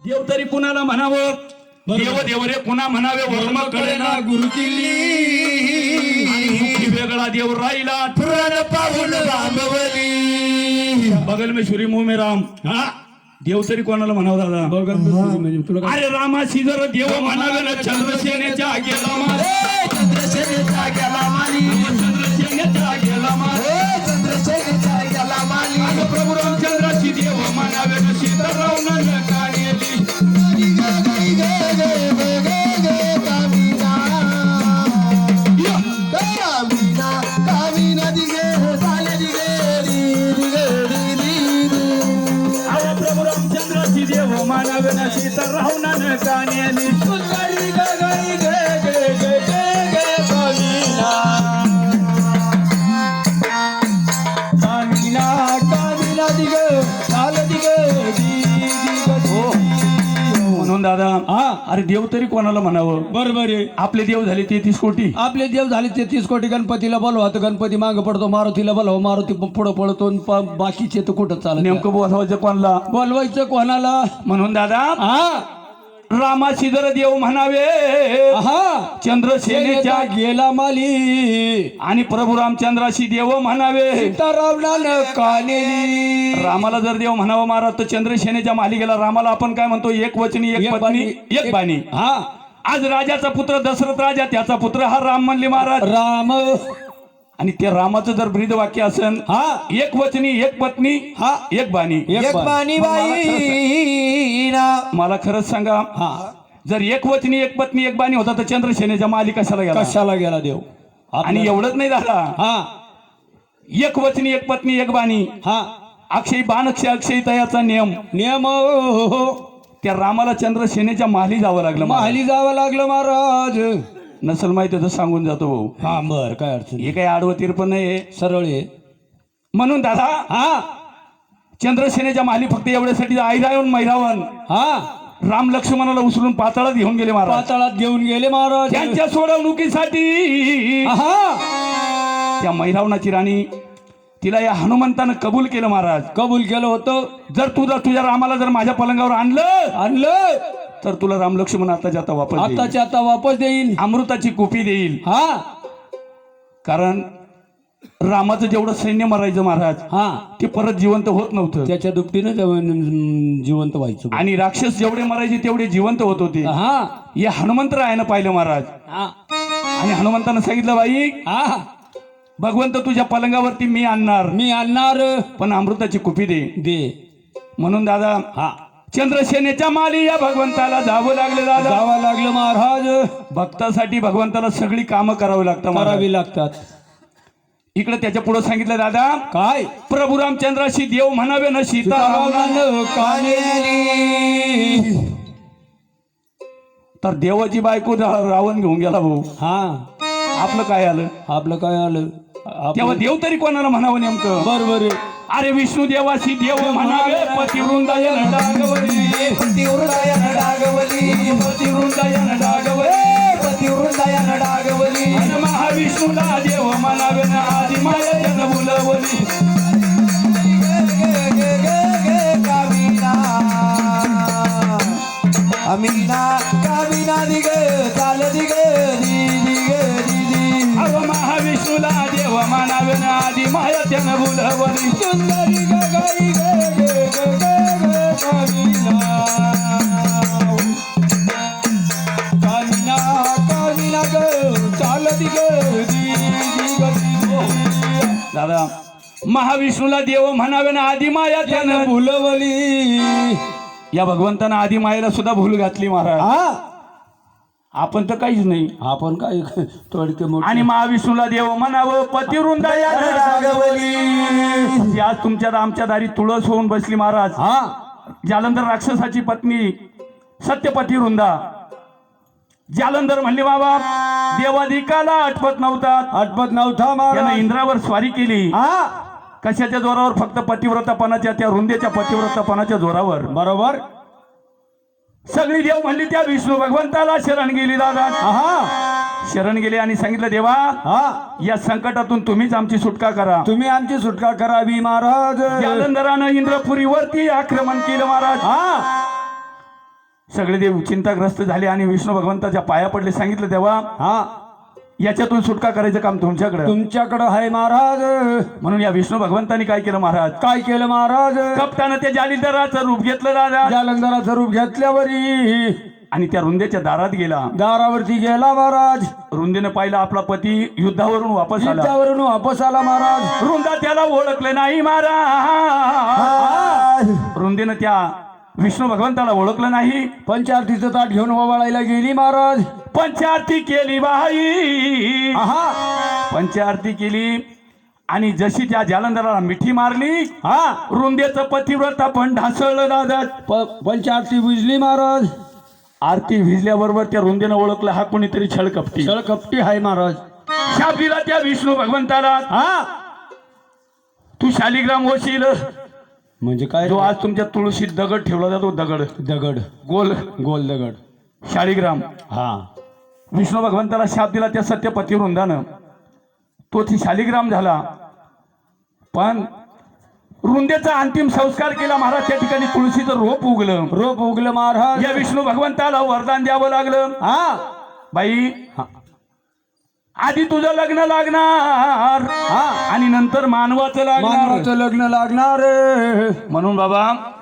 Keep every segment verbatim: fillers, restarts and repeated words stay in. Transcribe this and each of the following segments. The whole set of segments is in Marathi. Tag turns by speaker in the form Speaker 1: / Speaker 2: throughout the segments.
Speaker 1: देव तरी कुणाला म्हणावं, देव देव रे पुन्हा म्हणावे वर्म कळेना
Speaker 2: गुरु किल्ली
Speaker 1: वेगळा देव राहिला
Speaker 2: पुराण पाहून रामवली
Speaker 1: बगल में शुरी मुंह में राम. हा देव तरी कोणाला म्हणावं दादा?
Speaker 2: म्हणजे तुला
Speaker 1: अरे रामाशी जर देव म्हणावे ना चंद्रसेनेच्या गेला मा
Speaker 2: चंद्रसेनेचा गेला माली
Speaker 1: चंद्रसेनेच्या गेला मा
Speaker 2: चंद्रसेनेचा गेला माली
Speaker 1: अगं प्रभू रामचंद्राची देव म्हणावे ना सीताराम न कानेली देव मानव न सीताराम न कानेली सुंदरी गगई गे गे गे गे गे कामिना
Speaker 2: कामिना कामिना दिग चाल दिग दी
Speaker 1: म्हणून दादा
Speaker 2: हा
Speaker 1: अरे देव तरी कोणाला म्हणावं?
Speaker 2: बरोबर आहे.
Speaker 1: आपले देव झाले तेहतीस कोटी.
Speaker 2: आपले देव झाले तेहतीस कोटी. गणपतीला बोलवा तर गणपती मागे पडतो, मारुतीला बोलवा मारुती पुढं पडतो, बाकीचे तर कुठं चालत.
Speaker 1: नेमकं बोलवायचं कोणाला?
Speaker 2: बोलवायचं कोणाला?
Speaker 1: म्हणून दादा
Speaker 2: हा
Speaker 1: रामाशी जर देव म्हणावे
Speaker 2: हा
Speaker 1: चंद्रसेनेच्या
Speaker 2: गेला माली
Speaker 1: आणि प्रभू रामचंद्राशी देव म्हणावे
Speaker 2: सीतारामला कानेली.
Speaker 1: रामाला जर देव म्हणावं महाराज तर चंद्रसेनेच्या मालिकेला रामाला आपण काय म्हणतो? एक वचनी एक पत्नी एक बाणी.
Speaker 2: हा
Speaker 1: आज राजाचा पुत्र दशरथ राजा त्याचा पुत्र हा राम म्हणले महाराज.
Speaker 2: राम
Speaker 1: आणि ते रामाचं जर ब्रीद वाक्य असेल
Speaker 2: हा
Speaker 1: एक वचनी एक पत्नी
Speaker 2: हा
Speaker 1: एक बाणी.
Speaker 2: एक बाणी बाई ना.
Speaker 1: मला खरंच सांगा
Speaker 2: हा
Speaker 1: जर एक वचनी एक पत्नी एक बाणी होता तर चंद्रसेनेच्या माली कशाला गेला?
Speaker 2: कशाला गेला देव?
Speaker 1: आणि एवढंच नाही झाला,
Speaker 2: हा
Speaker 1: एक वचनी एक पत्नी एक बाणी.
Speaker 2: हा
Speaker 1: अक्षयी बाण अक्षय अक्षयी तयाचा नियम
Speaker 2: नियम
Speaker 1: त्या रामाला चंद्रसेनेच्या माली जावं लागलं.
Speaker 2: माली जावं लागलं महाराज.
Speaker 1: नसल माहिती तर सांगून जातो भाऊ.
Speaker 2: हा बर काय अडचण
Speaker 1: हे काही आडवं तिरपण नाही
Speaker 2: सरळ आहे.
Speaker 1: म्हणून दादा
Speaker 2: हा
Speaker 1: चंद्रसेनेच्या माली फक्त एवढ्यासाठी ऐरावण मैरावण
Speaker 2: हा
Speaker 1: राम लक्ष्मणाला उचलून पाताळात घेऊन गेले महाराज.
Speaker 2: पाताळात घेऊन गेले महाराज.
Speaker 1: त्यांच्या सोडवणुकीसाठी
Speaker 2: हा
Speaker 1: त्या मैरावणाची राणी तिला या हनुमंतानं कबूल केलं महाराज.
Speaker 2: कबूल केलं होतं.
Speaker 1: जर तुझा तुझ्या रामाला जर माझ्या पलंगावर आणलं
Speaker 2: आणलं
Speaker 1: तर तुला राम लक्ष्मण आताच्या आता वापस देईल.
Speaker 2: आताच्या आता वापस देईल.
Speaker 1: अमृताची कुपी देईल.
Speaker 2: हा
Speaker 1: कारण रामाचं जेवढं सैन्य मरायचं महाराज
Speaker 2: हा
Speaker 1: ते परत जिवंत होत नव्हतं.
Speaker 2: त्याच्या दुपटीनं जेवण- जिवंत व्हायचं.
Speaker 1: आणि राक्षस जेवढे मरायचे तेवढे जिवंत होत होते.
Speaker 2: हा
Speaker 1: या हनुमंतरायानं पाहिलं महाराज.
Speaker 2: हा
Speaker 1: आणि हनुमंतानं सांगितलं बाई
Speaker 2: हा
Speaker 1: भगवंत तुझ्या पलंगावरती मी आणणार
Speaker 2: मी आणणार
Speaker 1: पण अमृताची कुपी दे.
Speaker 2: दे.
Speaker 1: म्हणून दादा
Speaker 2: हा
Speaker 1: चंद्रसेनेच्या माली या भगवंताला जावं लागले दादा.
Speaker 2: जावं लागलं महाराज.
Speaker 1: भक्तासाठी भगवंताला सगळी कामं करावी लागतात महाराज.
Speaker 2: करावी लागतात.
Speaker 1: इकडे त्याच्या पुढे सांगितलं दादा
Speaker 2: काय?
Speaker 1: प्रभू रामचंद्राशी देव म्हणावे न सीताराम
Speaker 2: सीताराम कानेली.
Speaker 1: तर देवाची बायको रा- रावण घेऊन गेला भाऊ.
Speaker 2: हा
Speaker 1: आपलं काय आलं?
Speaker 2: आपलं काय आलं?
Speaker 1: तेव्हा देव तरी कोणाला म्हणावं नेमकं?
Speaker 2: बरोबर आहे.
Speaker 1: अरे विष्णू देवाशी देव म्हणावे पतिवृंदायन डागवली
Speaker 2: पतिवृंदायन डागवली
Speaker 1: पतिवृंदायन डागवली
Speaker 2: पतिवृंदायन डागवली.
Speaker 1: आणि महाविष्णूला देव म्हणावे ना आधी माया बोलवली.
Speaker 2: अमीना कामिना दिग चाल दिग
Speaker 1: अहो महाविष्णूला देव म्हणावे ना आधी माया त्यानं बोलवली.
Speaker 2: सुंदरी गगाई गे गे गे गे कामिना कामिना कामिना ग चाल दिग
Speaker 1: दादा महाविष्णूला देव म्हणावे ना आधी माया त्यानं
Speaker 2: भुलवली.
Speaker 1: या भगवंतानं आधी मायेला सुद्धा भूल घातली महाराज.
Speaker 2: हा
Speaker 1: आपण तर काहीच नाही.
Speaker 2: आपण काय थोडके मोठे.
Speaker 1: आणि महाविष्णूला देव म्हणावं पतिवृंदायन डागवली. ती आज तुमच्या आमच्या दारी तुळस होऊन बसली महाराज.
Speaker 2: हा
Speaker 1: जालंधर राक्षसाची पत्नी सत्यपती वृंदा जालंधर म्हणली बाबा देवाधिकाला आठवत नव्हता
Speaker 2: आठवत नव्हता
Speaker 1: त्यानं
Speaker 2: महाराज.
Speaker 1: इंद्रावर स्वारी केली.
Speaker 2: हा
Speaker 1: कशाच्या जोरावर? फक्त पतिव्रतापणाच्या त्या रुंदेच्या पतिव्रतापणाच्या जोरावर.
Speaker 2: बरोबर.
Speaker 1: सगळी देव म्हणली त्या विष्णू भगवंताला शरण गेली दादा.
Speaker 2: हा
Speaker 1: शरण गेले आणि सांगितलं देवा
Speaker 2: हा
Speaker 1: या संकटातून तुम्हीच आमची सुटका करा.
Speaker 2: तुम्ही आमची सुटका करावी महाराज.
Speaker 1: जालंधरानं इंद्रपुरीवरती आक्रमण केलं महाराज.
Speaker 2: हा
Speaker 1: सगळे देव चिंताग्रस्त झाले आणि विष्णू भगवंताच्या पाया पडले. सांगितलं तेव्हा
Speaker 2: हा
Speaker 1: याच्यातून सुटका करायचं काम तुमच्याकडे.
Speaker 2: तुमच्याकडं आहे महाराज.
Speaker 1: म्हणून या विष्णू भगवंतानी काय केलं महाराज,
Speaker 2: काय केलं महाराज?
Speaker 1: कपटानं त्या जालिंदराचं रूप घेतलं दादा.
Speaker 2: जालंधराचं रूप घेतल्यावरी
Speaker 1: आणि त्या रुंदेच्या दारात गेला.
Speaker 2: दारावरती गेला महाराज.
Speaker 1: रुंदेनं पाहिला आपला पती युद्धावरून वापस आला.
Speaker 2: युद्धावरून वापस आला महाराज.
Speaker 1: रुंदा त्याला ओळखलं नाही महाराज. रुंदेनं त्या विष्णू भगवंताला ओळखलं नाही.
Speaker 2: पंचारतीचं ताट घेऊन ओवाळायला गेली महाराज.
Speaker 1: पंचारती केली बाई.
Speaker 2: आहा
Speaker 1: पंचारती केली आणि जशी त्या जालंधराला मिठी मारली,
Speaker 2: हा
Speaker 1: रुंदेचं पतिव्रता पण ढासळलं दादा.
Speaker 2: प- पंचारती बुजली महाराज.
Speaker 1: आरती भिजल्याबरोबर त्या रुंदेनं ओळखलं हा कोणीतरी छळकपटी.
Speaker 2: छळ कपटी आहे महाराज.
Speaker 1: शाप दिला त्या विष्णू भगवंताला,
Speaker 2: हा
Speaker 1: तू शालिग्राम होशील.
Speaker 2: म्हणजे काय?
Speaker 1: जो आज तुमच्या तुळशीत दगड ठेवला जातो, दगड
Speaker 2: दगड,
Speaker 1: गोल
Speaker 2: गोल दगड.
Speaker 1: शालिग्राम.
Speaker 2: हा
Speaker 1: विष्णू भगवंताला शाप दिला त्या सत्यपती वृंदानं, तो ती शालिग्राम झाला. पण रुंदेचा अंतिम संस्कार केला महाराज. त्या ठिकाणी तुळशीचं रोप उगलं.
Speaker 2: रोप उगलं महाराज.
Speaker 1: या विष्णू भगवंताला वरदान द्यावं लागलं.
Speaker 2: हा
Speaker 1: बाई
Speaker 2: हा
Speaker 1: आधी तुझं लग्न लागणार
Speaker 2: हा
Speaker 1: आणि नंतर मानवाचं लागणार.
Speaker 2: मानवाचं लग्न लागणार.
Speaker 1: म्हणून बाबा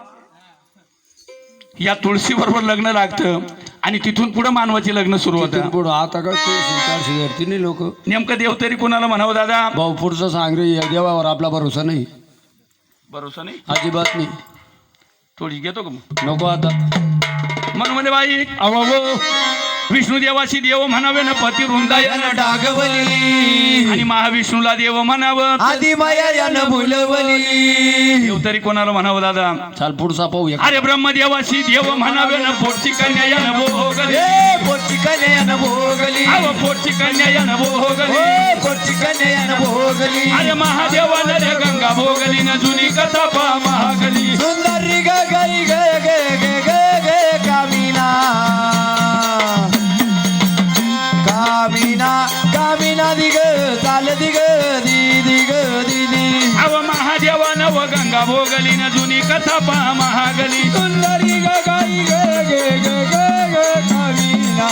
Speaker 1: या तुळशी बरोबर लग्न लागतं आणि तिथून पुढे मानवाचे लग्न सुरू होतं.
Speaker 2: पुढं आता काय चारशे धरती नाही लोक.
Speaker 1: नेमकं देव तरी कोणाला म्हणावं दादा?
Speaker 2: भाऊ पुढचं सांग रे. या देवावर आपला भरोसा नाही.
Speaker 1: भरोसा नाही
Speaker 2: अजिबात नाही.
Speaker 1: थोडी घेतो का मग?
Speaker 2: नको आता.
Speaker 1: म्हणून म्हणजे बाई
Speaker 2: अहो
Speaker 1: विष्णू देवाशी देव म्हणावे न पती वृंदायन
Speaker 2: डागवली
Speaker 1: आणि महाविष्णूला देव म्हणावं.
Speaker 2: आधी माया यानं भुलवली.
Speaker 1: देव तरी कोणाला म्हणावं दादा?
Speaker 2: चाल पुढचा पाहूया.
Speaker 1: अरे ब्रह्मदेवाशी देव म्हणावे न पोटची कन्या यान भोगली.
Speaker 2: पोटची कन्या यानं भोगली.
Speaker 1: अव पोटची कन्या यान भोगली.
Speaker 2: पोटची कन्या यानं भोगली.
Speaker 1: अरे महादेवाला रे गंगा भोगली न जुनी कथा पा महागली.
Speaker 2: सुंदरी ग गई ग ग ग ग ग कामिना कामिना कामिना दिग चाल दिग दी दिग दीदी.
Speaker 1: अव महादेवानं व गंगा भोगली न जुनी कथा पा महागली.
Speaker 2: सुंदरी ग गई ग ग ग ग ग कामिना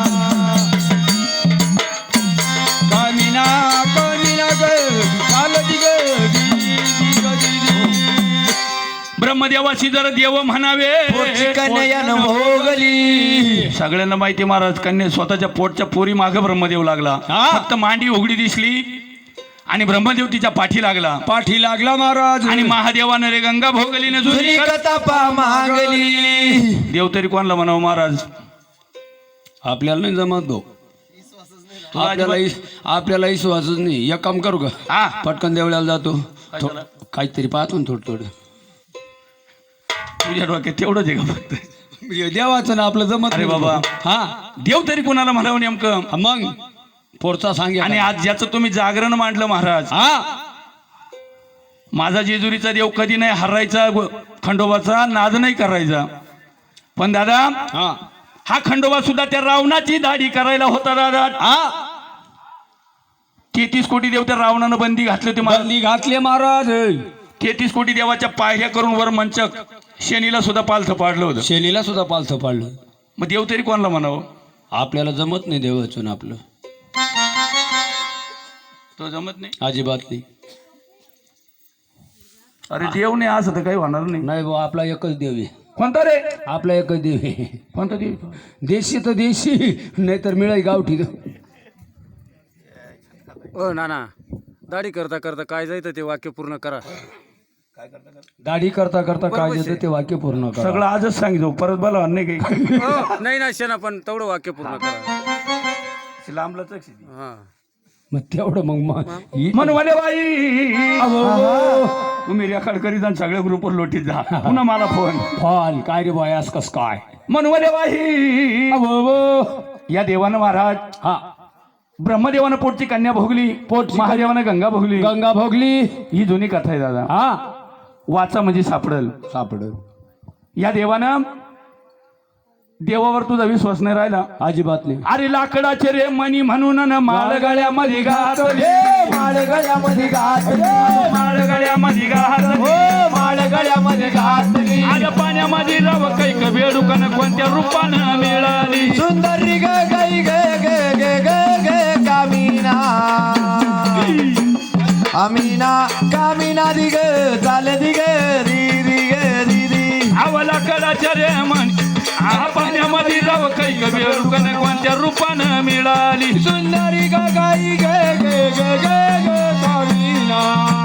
Speaker 2: कामिना कामिना ग चाल दिग दी दिग दीदी.
Speaker 1: ब्रह्मदेवाशी जर देव म्हणावे.
Speaker 2: कन्यानं भोगली.
Speaker 1: सगळ्यांना माहिती महाराज, कन्या स्वतःच्या पोटच्या पोरी मागे ब्रह्मदेव लागला. फक्त मांडी उघडी दिसली आणि ब्रह्मदेव तिच्या पाठी लागला.
Speaker 2: पाठी लागला महाराज.
Speaker 1: आणि महादेवानं रे गंगा भोगली न जुनी
Speaker 2: जुनी कथा पा मागली.
Speaker 1: देव तरी कोणाला म्हणावं महाराज?
Speaker 2: आपल्याला नाही जमत भाऊ. आपल्याला आपल्याला विश्वासच नाही. एक काम करू का?
Speaker 1: हा
Speaker 2: पटकन देवळाला जातो. थो- काहीतरी पाहतो ना थोडं थोडं.
Speaker 1: तुझ्या डोक्यात तेवढंच आहे का फक्त?
Speaker 2: देवाचं ना आपलं जमत
Speaker 1: अरे
Speaker 2: नाही
Speaker 1: बाबा.
Speaker 2: हा
Speaker 1: देव तरी कोणाला म्हणावं नेमकं?
Speaker 2: मग पुढचा सांगे.
Speaker 1: आणि आज ज्याचं तुम्ही जागरण मांडलं महाराज,
Speaker 2: हा
Speaker 1: माझा जेजुरीचा देव कधी नाही हरायचा, खंडोबाचा नाद नाही करायचा. पण दादा
Speaker 2: हा
Speaker 1: हा खंडोबा सुद्धा त्या रावणाची दाढी करायला होता दादा.
Speaker 2: हा
Speaker 1: तेहतीस कोटी देव त्या रावणानं बंदी घातले होते महाराज.
Speaker 2: बंदी घातले महाराज.
Speaker 1: तेहतीस कोटी देवाच्या पायऱ्या करून वर मंचक शनीला सुद्धा पालथं पाडलं होतं.
Speaker 2: शेलीला सुद्धा पालथं पाडलं.
Speaker 1: मग देव तरी कोणाला म्हणावं?
Speaker 2: आपल्याला जमत नाही देवाचं आपलं.
Speaker 1: तो जमत नाही,
Speaker 2: अजिबात नाही.
Speaker 1: अरे देव नाही असं तर काही होणार नाही.
Speaker 2: नाही भाऊ आपला एकच देव आहे.
Speaker 1: कोणता रे?
Speaker 2: आपला एकच देव आहे.
Speaker 1: कोणता देव?
Speaker 2: देशी तर देशी नाहीतर मिळाई गावठी.
Speaker 3: ओ नाना, दाढी करता करता काय जायचं ते वाक्य पूर्ण करा.
Speaker 2: दाढी करता करता काय देतं ते वाक्य पूर्ण करा.
Speaker 1: सगळं आजच सांगितलं, परत बोला नाही काही.
Speaker 3: हो, नाही ना शेना, पण तेवढं वाक्य पूर्ण करा.
Speaker 1: लांबलंच
Speaker 3: हा
Speaker 2: मग तेवढं मग मग ही-
Speaker 1: म्हणून म्हणे बाई तुम्ही रेकॉर्ड करीत आणि सगळ्या ग्रुपवर लोटीत जा. पुन्हा मला फोन
Speaker 2: फॉल काय रे बयास कस काय.
Speaker 1: म्हणून म्हणे बाई या देवानं महाराज
Speaker 2: हा
Speaker 1: ब्रह्मदेवानं पोटची कन्या भोगली, पोट महादेवानं गंगा भोगली.
Speaker 2: गंगा भोगली.
Speaker 1: ही जुनी कथा आहे दादा.
Speaker 2: हा
Speaker 1: वाचा म्हणजे सापडल.
Speaker 2: सापड.
Speaker 1: या देवानं देवावर तुझा विश्वास नाही राहिला.
Speaker 2: अजिबात नाही.
Speaker 1: अरे लाकडाचे रे मणी म्हणून न माळ गळ्यामध्ये घातली,
Speaker 2: माळ गळ्यामध्ये घातली,
Speaker 1: माळ गळ्यामध्ये घातली,
Speaker 2: माळ गळ्यामध्ये घातली.
Speaker 1: आलं पाण्यामध्ये रव कैक बेडुकन कोणत्या रूपानं मिळाली.
Speaker 2: सुंदरी ग गई ग ग ग ग ग कामिना अमीना कामिना दिग चाल दिग री री ग री री.
Speaker 1: अव लाकडाचे रे मणी आ पाण्यामध्ये रव कैक बेडुकन कोणत्या रूपानं मिळाली.
Speaker 2: सुंदरी ग गई ग ग ग ग ग कामिना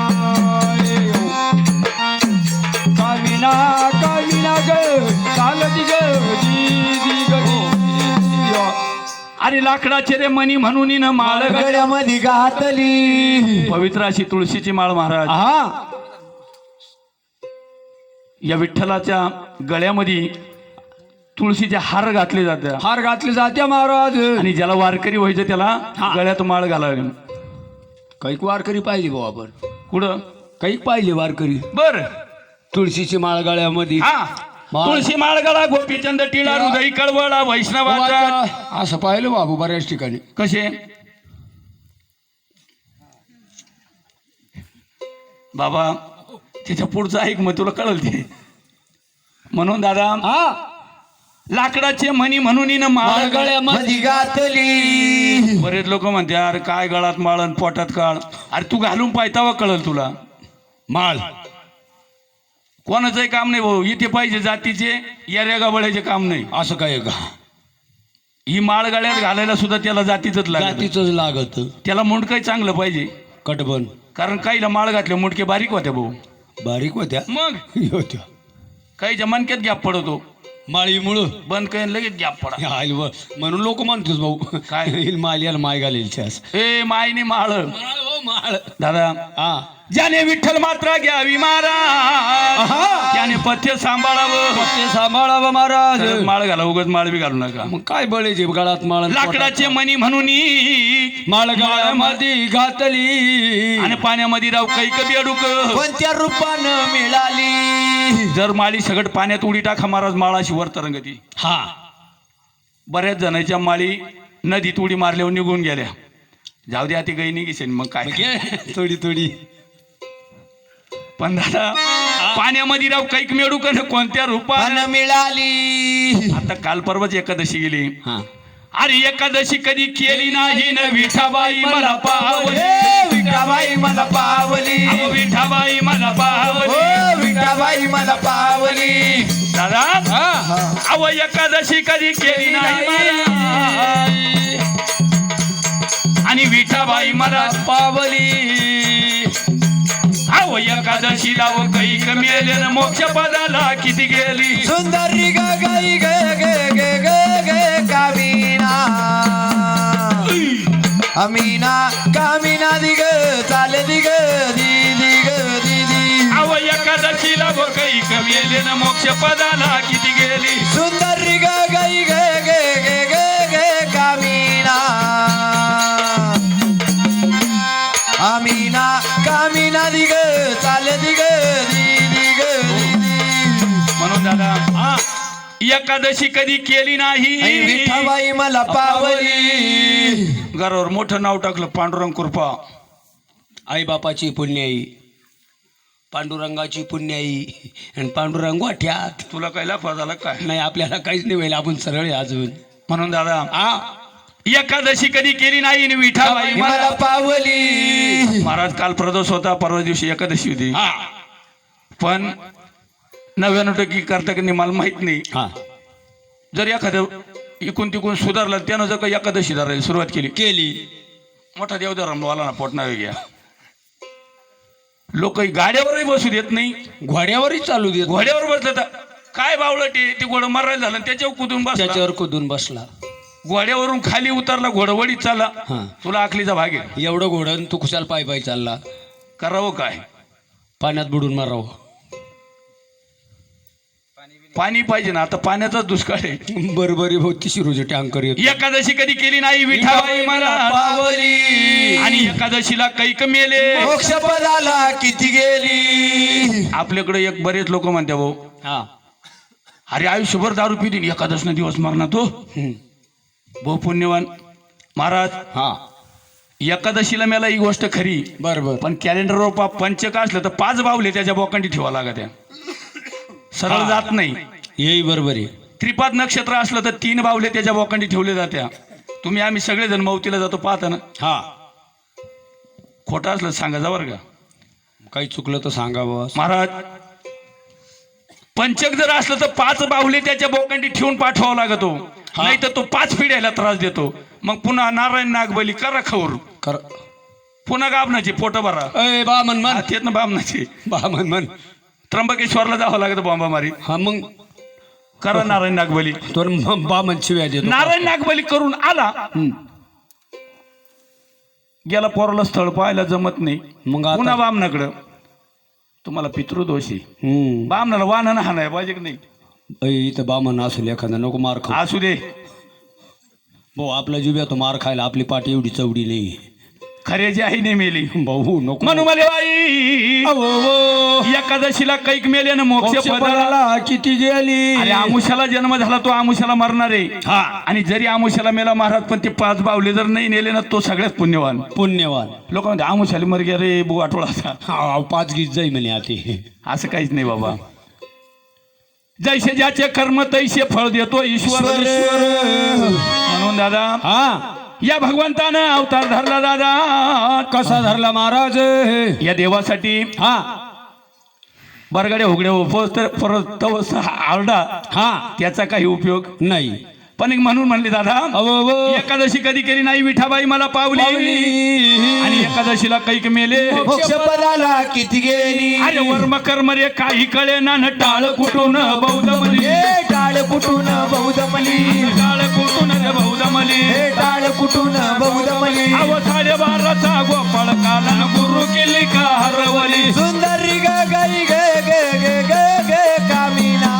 Speaker 2: कामिना कामिना ग चाल दिग री री ग री.
Speaker 1: अरे लाकडाचे रे मणी म्हणून न माळ गळ्या
Speaker 2: गळ्यामध्ये घातली.
Speaker 1: पवित्र अशी तुळशीची माळ महाराज
Speaker 2: हा
Speaker 1: या विठ्ठलाच्या गळ्यामध्ये तुळशीचे हार घातले जातात.
Speaker 2: हार घातले जाते महाराज.
Speaker 1: आणि ज्याला वारकरी व्हायचं त्याला गळ्यात माळ घालावी.
Speaker 2: कैक वारकरी पाहिजे भाऊ आपण.
Speaker 1: कुठं
Speaker 2: कैक पाहिजे वारकरी.
Speaker 1: बर
Speaker 2: तुळशीची माळ गळ्यामध्ये.
Speaker 1: हा तुळशी माळ गळा गोपीचंद टिळा हृदय कळवळा वैष्णवाचा.
Speaker 2: असं पाहिलं बाबू बऱ्याच ठिकाणी.
Speaker 1: कसे बाबा त्याच्या पुढचं ऐक मग तुला कळल ते. म्हणून दादा
Speaker 2: हा
Speaker 1: लाकडाचे मणी म्हणून न माळ
Speaker 2: गळ्यामध्ये घातली.
Speaker 1: बरेच लोक म्हणते अरे काय गळात माळ आणि पोटात काळ. अरे तू घालून पायतावा कळल तुला.
Speaker 2: माळ
Speaker 1: कोणाचंही काम नाही भाऊ. इथे पाहिजे जातीचे या रेगाबळ्याचे काम नाही.
Speaker 2: असं काय का.
Speaker 1: ही माळ गळ्यात घालायला सुद्धा त्याला जातीच लागत.
Speaker 2: जातीच लागत.
Speaker 1: त्याला मुंडकही चांगलं पाहिजे.
Speaker 2: कटबन
Speaker 1: कारण काहीला माळ घातले मुंडके बारीक होत्या भाऊ.
Speaker 2: बारीक होत्या
Speaker 1: मग
Speaker 2: होत्या.
Speaker 1: काहीच्या मनक्यात गॅप पडतो.
Speaker 2: माळी मुळ
Speaker 1: बंद काही लगेच गॅप पडा.
Speaker 2: म्हणून लोक म्हणतोस भाऊ
Speaker 1: काय
Speaker 2: माल याला माय घालेल
Speaker 1: ए मायने माळ
Speaker 2: माळ.
Speaker 1: दादा
Speaker 2: हा
Speaker 1: ज्याने विठ्ठल मात्रा घ्यावी मारा त्याने पथ्य सांभाळावं.
Speaker 2: ते सांभाळावं महाराज.
Speaker 1: खरंच माळ घाला उगाच माळ बी घालू नका.
Speaker 2: मग काय बळेचे गळात माळ.
Speaker 1: लाकडाचे मणी म्हणून
Speaker 2: माळ गळ्यामध्ये घातली.
Speaker 1: आणि पाण्यामध्ये राव कैक बेडूक
Speaker 2: कोणत्या रूपानं मिळाली.
Speaker 1: जर माळी सगळं पाण्यात उडी टाका महाराज माळाशी वर तरंगती.
Speaker 2: हा
Speaker 1: बऱ्याच जणांच्या माळी नदीत उडी मारल्यावर निघून गेल्या. जाऊ द्या ती गई निघेल मग काय
Speaker 2: थोडी थोडी.
Speaker 1: पण दादा पाण्यामध्ये राव कैक मेडूक कोणत्या रूपानं
Speaker 2: मिळाली.
Speaker 1: आता काल परवाच एकादशी गेली.
Speaker 2: हा
Speaker 1: अरे एकादशी कधी केली नाही न विठाबाई मला पावली.
Speaker 2: विठाबाई मला पावली.
Speaker 1: अहो, विठाबाई मला पावली.
Speaker 2: विठाबाई मला पावली.
Speaker 1: दादा अव एकादशी कधी केली नाही मला. आणि विठाबाई मला
Speaker 2: पावली.
Speaker 1: अव एकादशीला व कैक मेले न मोक्ष पदाला किती गेली.
Speaker 2: सुंदरी ग गई ग ग ग ग ग कामिना अमीना कामिना दिग चाल दिग दी दिग दीदी.
Speaker 1: अव एकादशीला व कैक मेले न मोक्ष पदाला किती गेली.
Speaker 2: सुंदरी ग गई ग ग ग ग ग कामिना अमीना कामिना दिग चाल दिग दी दिग दीदी.
Speaker 1: म्हणून दादा एकादशी कधी केली नाही.
Speaker 2: विठाबाई मला पावली.
Speaker 1: घरावर मोठं नाव टाकलं पांडुरंग कृपा.
Speaker 2: आई बापाची पुण्याई पांडुरंगाची पुण्याई आणि पांडुरंग वाट्यात.
Speaker 1: तुला काय लाफा झाला काय.
Speaker 2: नाही आपल्याला काहीच नाही व्हायला. आपण सरळ आहे अजून.
Speaker 1: म्हणून दादा
Speaker 2: आ
Speaker 1: एकादशी कधी केली नाही आणि विठाबाई
Speaker 2: मला
Speaker 1: मला
Speaker 2: पावली.
Speaker 1: महाराज काल प्रदोष होता परवा दिवशी एकादशी होती.
Speaker 2: हा
Speaker 1: पण नव्याण्णव टक्के करता की नाही मला माहित नाही.
Speaker 2: हा
Speaker 1: जर एखादं इकून तिकून सुधारलं त्यानं जर काही एकादशी धरायला सुरुवात केली
Speaker 2: केली.
Speaker 1: मोठा देवधर्मवाला ना पोटणारे घ्या. लोक गाड्यावरही बसू देत नाही.
Speaker 2: घोड्यावरही चालू देत.
Speaker 1: घोड्यावर बसलं तर काय बावलं ते ते घोडं मारायला झालं आणि त्याच्यावर कुदून बसला.
Speaker 2: त्याच्यावर कुदून बसला.
Speaker 1: घोड्यावरून खाली उतरला घोडवडीत चालला.
Speaker 2: हा
Speaker 1: तुला आखलीचा भाग आहे.
Speaker 2: एवढं घोडं तू कुशाल पाय पाय चालला.
Speaker 1: करावं काय.
Speaker 2: पाण्यात बुडून मारावं.
Speaker 1: पाणी पाहिजे ना. आता पाण्याचाच दुष्काळ आहे.
Speaker 2: बरोबरी भोवती शिरोजी टँकर येतो.
Speaker 1: एकादशी कधी केली नाही विठाबाई मला
Speaker 2: पावली.
Speaker 1: आणि एकादशीला कैक मेले.
Speaker 2: मोक्षपदाला किती गेली.
Speaker 1: आपल्याकडे एक बरेच लोक म्हणते भाऊ
Speaker 2: हा
Speaker 1: अरे आयुष्यभर दारू पितील एकादशनं दिवस मरणार तो बहु पुण्यवान महाराज.
Speaker 2: हा
Speaker 1: एकादशीला मला ही गोष्ट खरी,
Speaker 2: बर बर
Speaker 1: पण कॅलेंडरवर पा पंचक असलं तर पाच बावले त्याच्या बोकांडी ठेवा लागत त्या, सरळ जात नाही.
Speaker 2: येई बरोबर आहे.
Speaker 1: त्रिपाद नक्षत्र असलं तर तीन बावले त्याच्या बोकांडी ठेवले जात्या. तुम्ही आम्ही सगळेजण मौतीला जातो पाहता ना.
Speaker 2: हा
Speaker 1: खोटं असलं तर सांगा जा बरं का
Speaker 2: काही चुकलं तर सांगा बॉस.
Speaker 1: महाराज. पंचक जर असलं तर पाच बाहुले त्याच्या बोकांडी ठेवून पाठवावा लागतो, नाही तर तो पाच पिढ्याला त्रास देतो. मग पुन्हा नारायण नागबली करा खवर,
Speaker 2: कर
Speaker 1: पुन्हा गाबनाची पोट भरा
Speaker 2: अय बा मन मन
Speaker 1: तेच ना बामनाची.
Speaker 2: बा मन मन
Speaker 1: त्र्यंबकेश्वरला जावं लागतं बॉम्बा मारी.
Speaker 2: हा मग
Speaker 1: करा नारायण नागबली.
Speaker 2: तो बा मन शिव्या देतो.
Speaker 1: नारायण नागबली करून आला,
Speaker 2: हम्म.
Speaker 1: गेला पोराला स्थळ पाहायला जमत नाही,
Speaker 2: मग आता-
Speaker 1: पुन्हा बामनाकडं. तुम्हाला पितृदोषी
Speaker 2: हम्म.
Speaker 1: बामनाला वाहन हा नाही पाहिजे की नाही.
Speaker 2: अय इथं बामन असेल एखादा नको मार खाऊ.
Speaker 1: असू दे,
Speaker 2: भाऊ आपला जिव्या तो मार खायला आपली पाठी एवढी चवडी नाही.
Speaker 1: खऱ्याची आई नाही मेली
Speaker 2: भाऊ नको
Speaker 1: म्हणू मला बाई.
Speaker 2: अहो, अहो.
Speaker 1: एकादशीला कैक मेले ना मोक्ष
Speaker 2: मोक्ष
Speaker 1: पदाला.
Speaker 2: पदाला किती गेली.
Speaker 1: अरे आमुष्याला जन्म झाला तो आमुष्याला मरणार आहे.
Speaker 2: हा
Speaker 1: आणि जरी आमुष्याला मेला महाराज पण ते पाच बावले जर नाही नेले ना तो सगळ्यात पुण्यवान.
Speaker 2: पुण्यवान.
Speaker 1: लोक म्हणते आमुष्याला मर गे रे बु आठवडा.
Speaker 2: हा पाच गीत जाई म्हणे आती.
Speaker 1: असं काहीच नाही बाबा. जैसे ज्याचे कर्म तैसे फळ देतो ईश्वर. म्हणून दादा
Speaker 2: हा
Speaker 1: या भगवंतानं अवतार धरला दादा.
Speaker 2: कसा धरला महाराज.
Speaker 1: या देवासाठी
Speaker 2: हा
Speaker 1: बरगड्या उघड्या उपवस तर परत तवस आरडा
Speaker 2: हा
Speaker 1: त्याचा काही उपयोग
Speaker 2: नाही.
Speaker 1: पण एक म्हणून म्हणले दादा
Speaker 2: अहो, अहो.
Speaker 1: एकादशी कधी केली नाही विठाबाई मला पावली. आणि एकादशीला कैक मेले
Speaker 2: मोक्ष पदाला किती गेली.
Speaker 1: अरे वर्म कर्म रे काही कळे ना न टाळ कुठून बौद्ध मली.
Speaker 2: हे टाळ कुठून बौद्ध मली.
Speaker 1: टाळ कुठून रे बौद्ध मली.
Speaker 2: हे टाळ कुठून बौद्ध मली.
Speaker 1: अव साडे बाराचा गोपाळ काला गुरु केली का हरवली.
Speaker 2: सुंदरी ग गई ग ग ग ग ग कामिना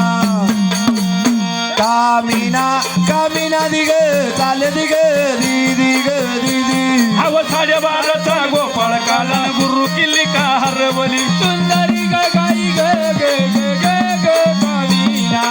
Speaker 2: कामिना कामिना दिग चाल दिग दी दिग दीदी.
Speaker 1: अव साडे बाराचा गोपाळ काला गुरु केली का हरवली.
Speaker 2: सुंदरी ग गई ग ग ग ग ग कामिना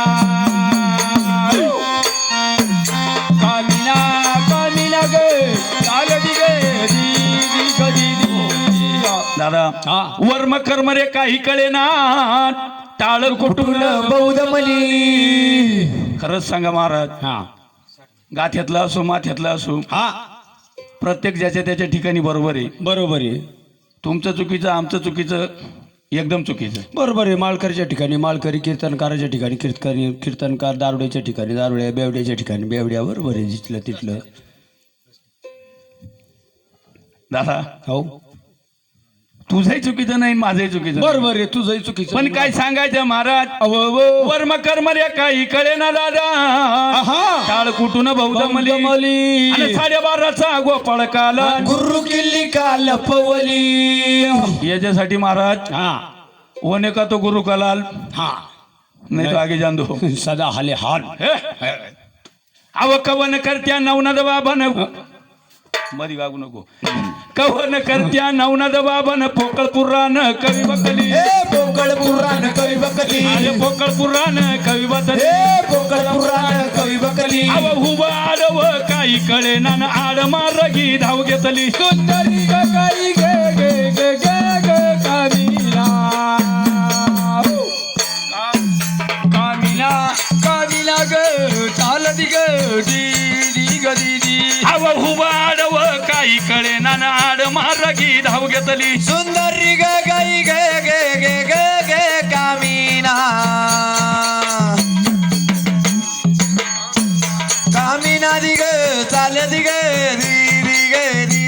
Speaker 2: कामिना कामिना ग चाल दिग दी दिग दीदी.
Speaker 1: दादा
Speaker 2: हा
Speaker 1: वर्म कर्म रे काही कळे ना टाळ कुठून
Speaker 2: बौद्ध मली.
Speaker 1: खरंच सांगा महाराज.
Speaker 2: हा
Speaker 1: गाथ्यातला असो माथ्यातला असो
Speaker 2: हा
Speaker 1: प्रत्येक ज्याच्या त्याच्या ठिकाणी बरोबर आहे.
Speaker 2: बरोबर आहे.
Speaker 1: तुमचं चुकीचं आमचं चुकीचं एकदम चुकीचं.
Speaker 2: बरोबर आहे. माळकरीच्या ठिकाणी माळकरी, कीर्तनकाराच्या ठिकाणी कीर्तन कीर्तनकार, दारुड्याच्या ठिकाणी दारुड्या, बेवड्याच्या ठिकाणी बेवड्या. बरोबर आहे जिथलं तिथलं.
Speaker 1: दादा
Speaker 2: हो
Speaker 1: तुझंही चुकीचं नाही माझंही चुकीचं नाही.
Speaker 2: बरोबर आहे. तुझंही चुकीचं.
Speaker 1: पण काय सांगायचं महाराज.
Speaker 2: अहो, अहो.
Speaker 1: वर्म कर्म रे काही कळे ना दादा.
Speaker 2: आहा.
Speaker 1: टाळ कुठून बौद्ध
Speaker 2: बौद्ध
Speaker 1: मली.
Speaker 2: मली.
Speaker 1: आणि साडेबाराचा गोपाळ काला
Speaker 2: गुरु किल्ली का लपवली.
Speaker 1: याच्यासाठी महाराज
Speaker 2: हा
Speaker 1: होने का तो गुरु कलाल
Speaker 2: हा
Speaker 1: नाही तो आगे जान दो.
Speaker 2: सदा हाले हाल.
Speaker 1: अव कवन करत्या नवनाद बाबन मधी गागू नको. कवन करत्या नवनाद बाबन पोकळ पुराण कवी बकली.
Speaker 2: हे पोकळ पुराण कवी बकली.
Speaker 1: अरे पोकळ पुराण कवी बकली.
Speaker 2: हे पोकळ पुराण कवी बकली.
Speaker 1: अव हुब आडव काही कळे ना आड मारगी धाव घेतली.
Speaker 2: सुंदरी ग गाई गे गे गे गे गे कामिना कामिना कामिना ग चाल दिग दी दिग दीदी.
Speaker 1: अव हुब आडव काही कळे ना आड मारगी धाव घेतली.
Speaker 2: सुंदरी ग गाई गे गे गे गे गे कामिना कामिना दिग चाल दिग दी दिग दी